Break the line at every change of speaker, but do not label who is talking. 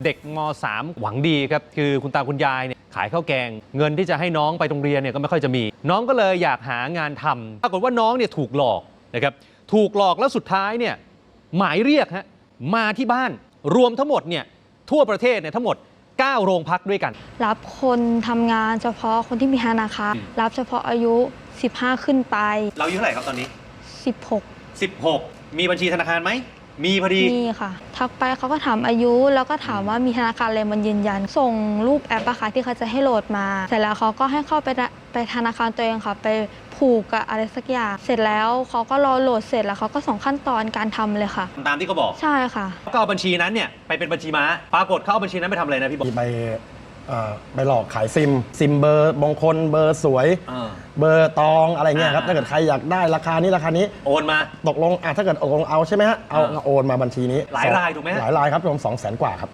เด็กม.3 หวังดีครับคือคุณตาคุณยายเนี่ยขายข้าวแกงเงินที่จะให้น้องไปโรงเรียนเนี่ยก็ไม่ค่อยจะมีน้องก็เลยอยากหางานทำปรากฏว่าน้องเนี่ยถูกหลอกนะครับถูกหลอกแล้วสุดท้ายเนี่ยหมายเรียกฮะมาที่บ้านรวมทั้งหมดเนี่ยทั่วประเทศเนี่ยทั้งหมด9 โรงพักด้วยกัน
รับคนทำงานเฉพาะคนที่มีธนาคารรับเฉพาะอายุ15ขึ้นไป
เราอายุเท่าไหร่ครับตอนนี้16มีบัญชีธนาคารไหมมีพอดี
มีค่ะทักไปเขาก็ถามอายุแล้วก็ถามว่ามีธนาคารอะไรมันยืนยันส่งรูปแอปอะค่ะที่เขาจะให้โหลดมาเสร็จแล้วเขาก็ให้เข้าไปธนาคารตัวเองค่ะไปผูกกับอะไรสักอย่างเสร็จแล้วเขาก็รอโหลดเสร็จแล้วเขาก็ส่งขั้นตอนการทำเลยค่ะ
ตามที่เขาบอก
ใช่ค่ะ
ก็เอาบัญชีนั้นเนี่ยไปเป็นบัญชีม้าปรากฏเขาเอาบัญชีนั้นไปทำอะไรนะพี่บอก
ไปหลอกขายซิมเบอร์มงคลเบอร์สวยเบอร์ตองอะไรเงี้ยครับถ้าเกิดใครอยากได้ราคานี้โ
อนมา
ตกลงถ้าเกิดตกลงเอาใช่ไหมฮะเอาโอนมาบัญชีนี้
หลายรายถูกไหม
หลายรายครับรวม200,000 กว่าครับ